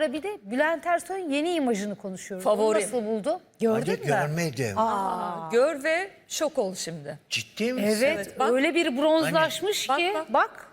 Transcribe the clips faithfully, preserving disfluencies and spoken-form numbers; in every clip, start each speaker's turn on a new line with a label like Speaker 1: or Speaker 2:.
Speaker 1: ara bir de Bülent Ersoy'un yeni imajını konuşuyoruz.
Speaker 2: Favorim.
Speaker 1: Onu nasıl buldu? Gördün
Speaker 3: Hadi
Speaker 1: mü?
Speaker 3: görmedim.
Speaker 2: Aa, gör ve şok ol şimdi.
Speaker 3: Ciddi misin?
Speaker 1: Evet,
Speaker 2: Evet, bak.
Speaker 1: öyle bir bronzlaşmış
Speaker 2: Hani-
Speaker 1: ki.
Speaker 2: Bak,
Speaker 1: Bak.
Speaker 2: bak.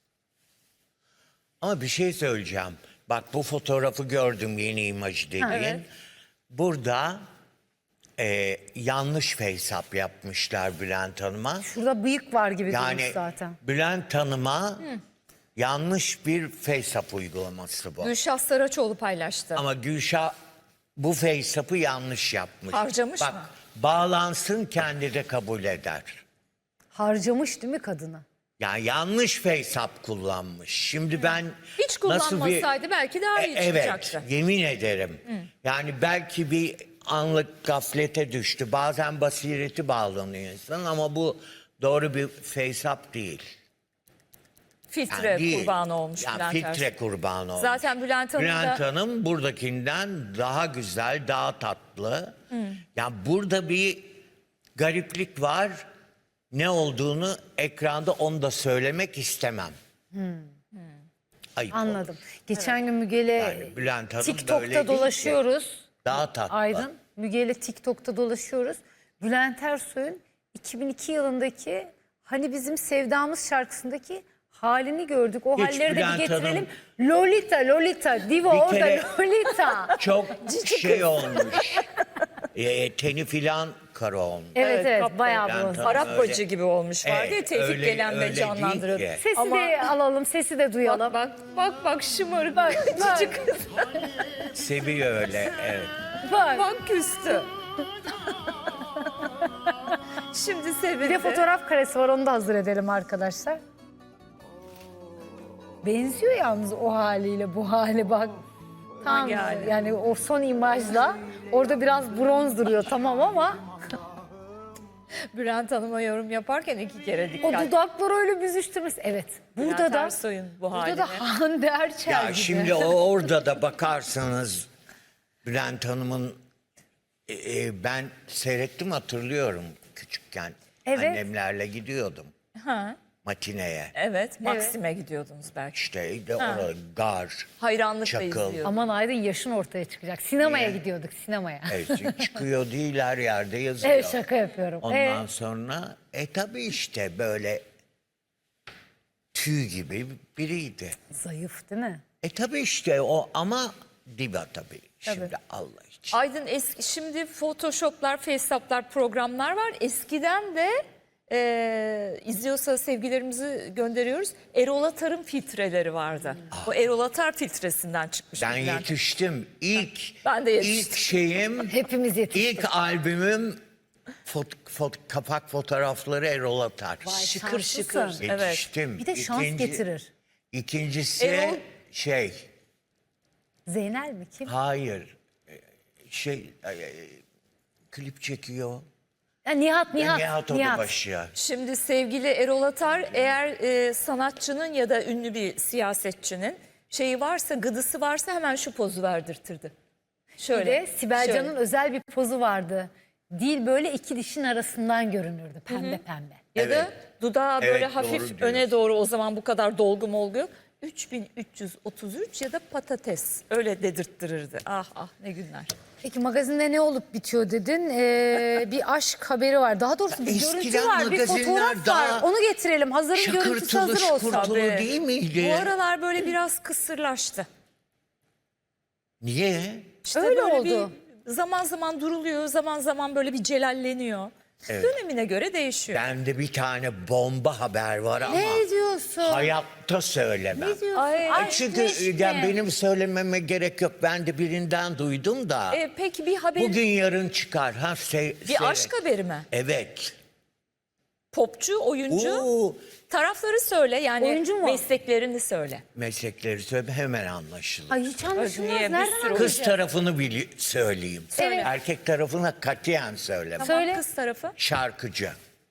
Speaker 3: Ama bir şey söyleyeceğim. Bak bu fotoğrafı gördüm, yeni imajı dediğin.
Speaker 2: Evet.
Speaker 3: Burada e, yanlış face-up yapmışlar Bülent Hanım'a.
Speaker 1: Şurada bıyık var gibi
Speaker 3: Yani
Speaker 1: durmuş zaten.
Speaker 3: Bülent Hanım'a yanlış bir face-up uygulaması bu.
Speaker 2: Gülşah Saraçoğlu paylaştı.
Speaker 3: Ama Gülşah bu face-up'ı yanlış yapmış.
Speaker 2: Harcamış
Speaker 3: Bak,
Speaker 2: mı?
Speaker 3: bağlansın, kendi de kabul eder.
Speaker 1: Harcamış değil mi kadını?
Speaker 3: Yani yanlış face-up kullanmış. Şimdi ben
Speaker 2: Hiç
Speaker 3: nasıl bir...
Speaker 2: kullanmasaydı belki daha iyi
Speaker 3: E, evet,
Speaker 2: çıkacaktı.
Speaker 3: yemin ederim. Yani belki bir anlık gaflete düştü. Bazen basireti bağlanıyor insan ama bu doğru bir face-up değil.
Speaker 2: Filtre
Speaker 3: Yani değil.
Speaker 2: kurbanı olmuş
Speaker 3: Yani
Speaker 2: Bülent
Speaker 3: filtre
Speaker 2: Ersoy.
Speaker 3: kurbanı olmuş.
Speaker 2: Zaten Bülent Hanım
Speaker 3: Bülent
Speaker 2: da...
Speaker 3: Hanım buradakinden daha güzel, daha tatlı. Yani burada bir gariplik var. Ne olduğunu ekranda onu da söylemek istemem. Ayıp
Speaker 1: Anladım.
Speaker 3: olur.
Speaker 1: Geçen gün Müge'yle
Speaker 3: Yani Bülent Hanım böyle
Speaker 1: TikTok'ta
Speaker 3: değil
Speaker 1: dolaşıyoruz.
Speaker 3: Daha tatlı.
Speaker 1: Aydın, Müge'yle TikTok'ta dolaşıyoruz. Bülent Ersoy'un iki bin iki yılındaki Hani Bizim Sevdamız şarkısındaki halini gördük. O
Speaker 3: Hiç
Speaker 1: halleri de bir
Speaker 3: Bülent
Speaker 1: getirelim. Lolita, Lolita, Diva
Speaker 3: Bir
Speaker 1: orada
Speaker 3: kere-
Speaker 1: Lolita.
Speaker 3: Çok
Speaker 1: Cici
Speaker 3: şey
Speaker 1: kız.
Speaker 3: olmuş. e, teni filan kara olmuş.
Speaker 1: Evet
Speaker 2: Evet,
Speaker 1: evet,
Speaker 2: kapı.
Speaker 1: bayağı
Speaker 3: Bülent
Speaker 1: bronz.
Speaker 3: Hanım
Speaker 2: Arap
Speaker 3: öyle-
Speaker 2: bacı gibi olmuş vardı ya,
Speaker 3: Evet,
Speaker 2: Tevfik
Speaker 3: öyle-
Speaker 2: Gelen
Speaker 3: öyle
Speaker 2: de
Speaker 3: değil
Speaker 2: canlandırıyordu.
Speaker 3: ki.
Speaker 1: Sesi
Speaker 2: Ama-
Speaker 1: de alalım, sesi de duyalım.
Speaker 2: Bak bak bak şımarık
Speaker 1: Bak, bak.
Speaker 2: cici kız.
Speaker 3: Seviyor öyle. Evet.
Speaker 1: Bak.
Speaker 2: Bak küstü. Şimdi sevindi.
Speaker 1: Bir de fotoğraf karesi var, onu da hazır edelim arkadaşlar. Benziyor yalnız o haliyle bu hali, bak. Tam
Speaker 2: Hangi hali?
Speaker 1: yani o son imajla orada biraz bronz duruyor tamam ama
Speaker 2: Bülent Hanım'a yorum yaparken iki kere
Speaker 1: o
Speaker 2: dikkat.
Speaker 1: dudakları öyle büzüştürmüş. Evet. Burada
Speaker 2: Bülent
Speaker 1: da
Speaker 2: Ersoy'un bu
Speaker 1: burada
Speaker 2: haline.
Speaker 1: da Hande Erçel
Speaker 3: Ya
Speaker 1: gibi.
Speaker 3: şimdi o orada da bakarsanız Bülent Hanım'ın e, e, ben seyrettim, hatırlıyorum küçükken.
Speaker 1: Evet.
Speaker 3: Annemlerle gidiyordum
Speaker 2: Ha,
Speaker 3: matineye.
Speaker 2: evet, Maksim'e gidiyordunuz belki.
Speaker 3: İşte de orada gar.
Speaker 2: Hayranlıkla
Speaker 3: Çakıl.
Speaker 2: izliyordum.
Speaker 1: Aman Aydın, yaşın ortaya çıkacak. Sinemaya
Speaker 3: Niye?
Speaker 1: gidiyorduk, sinemaya.
Speaker 3: Evet, çıkıyor değil, her yerde yazıyor.
Speaker 1: Evet, şaka yapıyorum.
Speaker 3: Ondan
Speaker 1: Ee,
Speaker 3: sonra e tabii işte böyle tüy gibi biriydi.
Speaker 1: zayıf değil mi?
Speaker 3: E tabii işte o ama diva tabii. Şimdi Allah için.
Speaker 2: Aydın eski, şimdi Photoshop'lar, Faceup'lar, programlar var. Eskiden de e, izliyorsa sevgilerimizi gönderiyoruz. Erol Atar'ın filtreleri vardı. O Erol Atar filtresinden çıkmış.
Speaker 3: Ben
Speaker 2: Bülent.
Speaker 3: yetiştim. İlk
Speaker 2: Ben de yetiştim.
Speaker 3: ilk şeyim,
Speaker 1: Hepimiz yetiştik.
Speaker 3: ilk albümüm fot, fot, kapak fotoğrafları Erol Atar.
Speaker 2: Şıkır
Speaker 1: Şanslısın.
Speaker 2: şıkır. Evet.
Speaker 3: Yetiştim.
Speaker 1: Bir de şans
Speaker 3: İkinci-
Speaker 1: getirir.
Speaker 3: İkincisi
Speaker 2: Erol-
Speaker 3: şey,
Speaker 1: Zeynel mi, kim?
Speaker 3: hayır, e, şey, e, e, klip çekiyor.
Speaker 1: Ya Nihat, Nihat.
Speaker 3: Nihat Odabaşı.
Speaker 2: Şimdi sevgili Erol Atar, eğer e, sanatçının ya da ünlü bir siyasetçinin şeyi varsa, gıdısı varsa hemen şu pozu verdirtirdi.
Speaker 1: Bir
Speaker 2: Şöyle.
Speaker 1: de Sibel
Speaker 2: şöyle.
Speaker 1: Can'ın özel bir pozu vardı. Dil böyle iki dişin arasından görünürdü, pembe pembe.
Speaker 2: Ya da
Speaker 3: Evet.
Speaker 2: dudağı böyle
Speaker 3: Evet,
Speaker 2: hafif
Speaker 3: doğru
Speaker 2: öne
Speaker 3: diyorsun.
Speaker 2: doğru, o zaman bu kadar dolgu molgu yok. üç bin üç yüz otuz üç ya da patates, öyle dedirttirirdi. Ah ah, ne günler.
Speaker 1: Peki magazinde ne olup bitiyor dedin? Ee, bir aşk haberi var. Daha doğrusu bir
Speaker 3: Eskiden
Speaker 1: görüntü var, bir
Speaker 3: magazinler
Speaker 1: fotoğraf
Speaker 3: daha
Speaker 1: var. Onu getirelim. Hazırın görüntüsü
Speaker 3: Şakırtılı
Speaker 1: hazır olsun.
Speaker 3: şukurtulu
Speaker 2: Tabii.
Speaker 3: değil miydi?
Speaker 2: Bu aralar böyle biraz kısırlaştı.
Speaker 3: Niye?
Speaker 2: İşte
Speaker 1: Öyle
Speaker 2: böyle
Speaker 1: oldu.
Speaker 2: Bir, zaman zaman duruluyor, zaman zaman böyle bir celalleniyor. Dönemine göre değişiyor.
Speaker 3: Bende bir tane bomba haber var ama
Speaker 1: Ne diyorsun?
Speaker 3: hayatta söylemem.
Speaker 1: Ne diyorsun?
Speaker 2: Ay,
Speaker 1: Aşk
Speaker 3: Çünkü
Speaker 1: meşk
Speaker 3: yani
Speaker 1: mi?
Speaker 3: benim söylememe gerek yok. Ben de birinden duydum da.
Speaker 2: E, peki bir haber,
Speaker 3: Bugün yarın çıkar. Ha, se-
Speaker 2: bir
Speaker 3: seyret.
Speaker 2: aşk haberi mi?
Speaker 3: Evet.
Speaker 2: Popçu, oyuncu.
Speaker 3: Oo,
Speaker 2: Tarafları söyle, yani
Speaker 1: Oyuncu mu?
Speaker 2: mesleklerini söyle.
Speaker 3: meslekleri söyle, hemen anlaşılır.
Speaker 1: Ay hiç anlaşılmaz.
Speaker 2: Niye? Bir
Speaker 1: Nereden
Speaker 2: sürü
Speaker 1: anlaşılır?
Speaker 3: Kız tarafını bili- söyleyeyim.
Speaker 2: Söyle.
Speaker 3: Erkek tarafına katiyen söylemem.
Speaker 2: Tamam,
Speaker 1: Söyle.
Speaker 2: kız tarafı.
Speaker 3: Şarkıcı.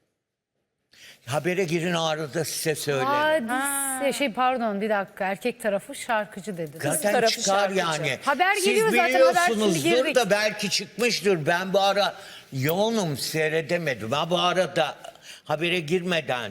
Speaker 3: Habere girin, o arada size söylerim.
Speaker 1: Hadise, şey pardon bir dakika, erkek tarafı şarkıcı dedi.
Speaker 3: Zaten
Speaker 2: tarafı
Speaker 3: çıkar
Speaker 2: şarkıcı.
Speaker 3: yani.
Speaker 1: Haber
Speaker 3: Siz
Speaker 1: geliyor zaten, haber şimdi
Speaker 3: biliyorsunuzdur
Speaker 1: girdik.
Speaker 3: da belki çıkmıştır. Ben bu ara yoğunum, seyredemedim. Ha bu arada habere girmeden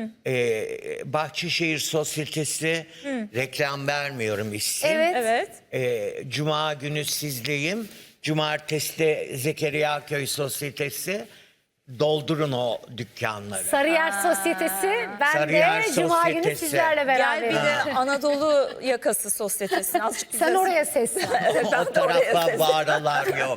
Speaker 3: e, Bahçeşehir Sosyetesi, reklam vermiyorum isim.
Speaker 1: Evet.
Speaker 2: Evet.
Speaker 3: E, Cuma günü sizdeyim. Cumartesi de Zekeriya Köy Sosyetesi. Doldurun o dükkanları.
Speaker 1: Sarıyer Sosyetesi. Ben
Speaker 3: Sarıyer
Speaker 1: de Cuma günü
Speaker 3: Sosyetesi.
Speaker 1: sizlerle
Speaker 2: Gel bir
Speaker 1: beraberim.
Speaker 2: de Anadolu yakası sosyetesine. Azıcık bize-
Speaker 1: Sen oraya seslen.
Speaker 3: O tarafa bağıralar yok.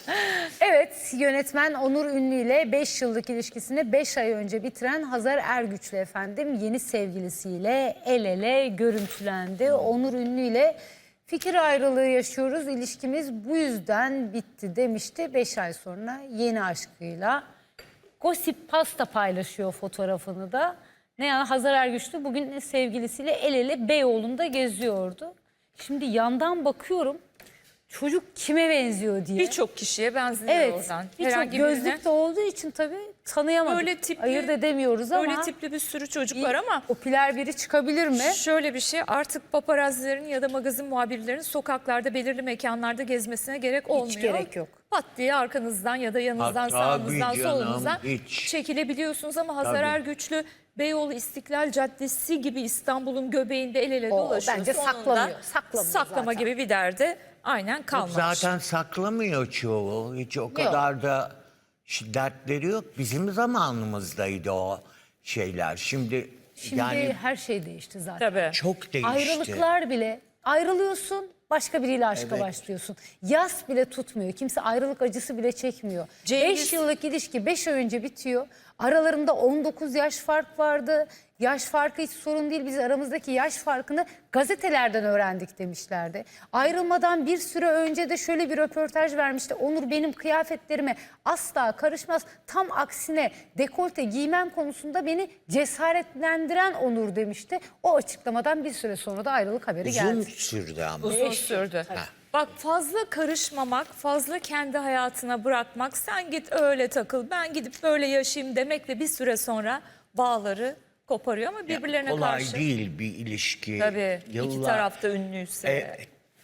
Speaker 1: Evet, yönetmen Onur Ünlü ile beş yıllık ilişkisini beş ay önce bitiren Hazar Ergüçlü efendim yeni sevgilisiyle el ele görüntülendi. Onur Ünlü ile fikir ayrılığı yaşıyoruz, ilişkimiz bu yüzden bitti demişti. beş ay sonra yeni aşkıyla Gossip Pasta paylaşıyor fotoğrafını da. Ne yani Hazar Ergüçlü bugün sevgilisiyle el ele Beyoğlu'nda geziyordu. Şimdi yandan bakıyorum çocuk kime benziyor diye.
Speaker 2: Birçok kişiye benziyor
Speaker 1: Evet,
Speaker 2: oradan.
Speaker 1: birçok
Speaker 2: Herhangi birine.
Speaker 1: gözlükte olduğu için tabii tanıyamadık.
Speaker 2: Böyle tipli-
Speaker 1: Ayırt edemiyoruz ama
Speaker 2: Böyle tipli bir sürü çocuk var ama
Speaker 1: popüler biri çıkabilir mi?
Speaker 2: şöyle bir şey, artık paparazzilerin ya da magazin muhabirlerinin sokaklarda belirli mekanlarda gezmesine gerek olmuyor.
Speaker 1: gerek yok.
Speaker 2: Pat diye arkanızdan ya da yanınızdan,
Speaker 3: Ha,
Speaker 2: sağınızdan,
Speaker 3: tabii canım,
Speaker 2: solunuzdan
Speaker 3: hiç.
Speaker 2: çekilebiliyorsunuz ama Hazar
Speaker 3: Tabii.
Speaker 2: Ergüçlü Beyoğlu İstiklal Caddesi gibi İstanbul'un göbeğinde el ele
Speaker 1: O
Speaker 2: dolaşıyor.
Speaker 1: bence
Speaker 2: Sonunda
Speaker 1: saklamıyor, saklamıyor
Speaker 2: Saklama
Speaker 1: zaten.
Speaker 2: gibi bir derdi aynen kalmamış.
Speaker 3: Zaten saklamıyor çoğu. Hiç o kadar da şiddetleri yok. Bizim zamanımızdaydı o şeyler. Şimdi,
Speaker 1: Şimdi
Speaker 3: yani
Speaker 1: her şey değişti zaten.
Speaker 2: Tabii.
Speaker 3: çok değişti.
Speaker 1: Ayrılıklar bile ayrılıyorsun başka biriyle aşka
Speaker 3: Evet.
Speaker 1: başlıyorsun. Yas bile tutmuyor. Kimse ayrılık acısı bile çekmiyor.
Speaker 2: Cengiz-
Speaker 1: beş yıllık ilişki beş ay önce bitiyor. Aralarında on dokuz yaş fark vardı. Yaş farkı hiç sorun değil. Biz aramızdaki yaş farkını gazetelerden öğrendik demişlerdi. Ayrılmadan bir süre önce de şöyle bir röportaj vermişti. Onur benim kıyafetlerime asla karışmaz. Tam aksine dekolte giymem konusunda beni cesaretlendiren Onur demişti. O açıklamadan bir süre sonra da ayrılık haberi
Speaker 3: Uzun
Speaker 1: geldi.
Speaker 3: sürdü ama.
Speaker 2: Uzun sürdü. Bak fazla karışmamak, fazla kendi hayatına bırakmak, sen git öyle takıl, ben gidip böyle yaşayayım demekle bir süre sonra bağları koparıyor ama birbirlerine
Speaker 3: Kolay
Speaker 2: karşı.
Speaker 3: değil bir ilişki.
Speaker 2: Tabii iki
Speaker 3: Yıllar-
Speaker 2: tarafta ünlüyse.
Speaker 3: E,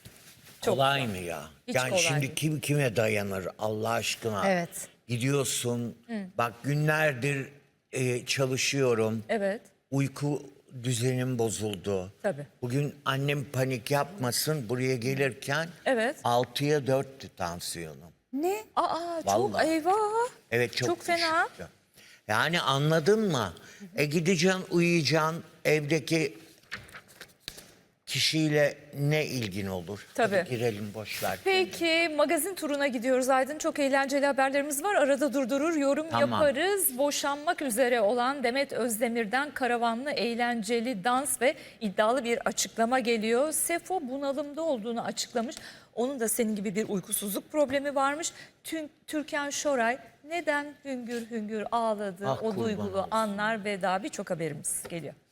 Speaker 3: kolay mı ya?
Speaker 2: Hiç
Speaker 3: yani
Speaker 2: kolay
Speaker 3: şimdi
Speaker 2: değil.
Speaker 3: kim kime dayanır Allah aşkına?
Speaker 1: Evet.
Speaker 3: Gidiyorsun. Bak günlerdir e, çalışıyorum.
Speaker 2: Evet.
Speaker 3: Uyku düzenim bozuldu.
Speaker 2: Tabii.
Speaker 3: Bugün annem panik yapmasın buraya gelirken
Speaker 2: Evet.
Speaker 3: altıya dörttü tansiyonum.
Speaker 1: Ne?
Speaker 2: Aa çok
Speaker 3: Vallahi.
Speaker 2: eyvah.
Speaker 3: Evet çok,
Speaker 2: Çok fena.
Speaker 3: düşüktü. Yani anladın mı? E gideceksin uyuyacaksın evdeki kişiyle ne ilgin olur?
Speaker 2: Tabii.
Speaker 3: Hadi girelim boş ver.
Speaker 2: Peki magazin turuna gidiyoruz Aydın. Çok eğlenceli haberlerimiz var. Arada durdurur, yorum
Speaker 3: Tamam.
Speaker 2: yaparız. Boşanmak üzere olan Demet Özdemir'den karavanlı, eğlenceli dans ve iddialı bir açıklama geliyor. Sefo bunalımda olduğunu açıklamış. Onun da senin gibi bir uykusuzluk problemi varmış. Tüm Türkan Şoray neden hüngür hüngür ağladı,
Speaker 3: Ah,
Speaker 2: o
Speaker 3: kurban
Speaker 2: duygulu
Speaker 3: olsun.
Speaker 2: anlar ve daha birçok haberimiz geliyor.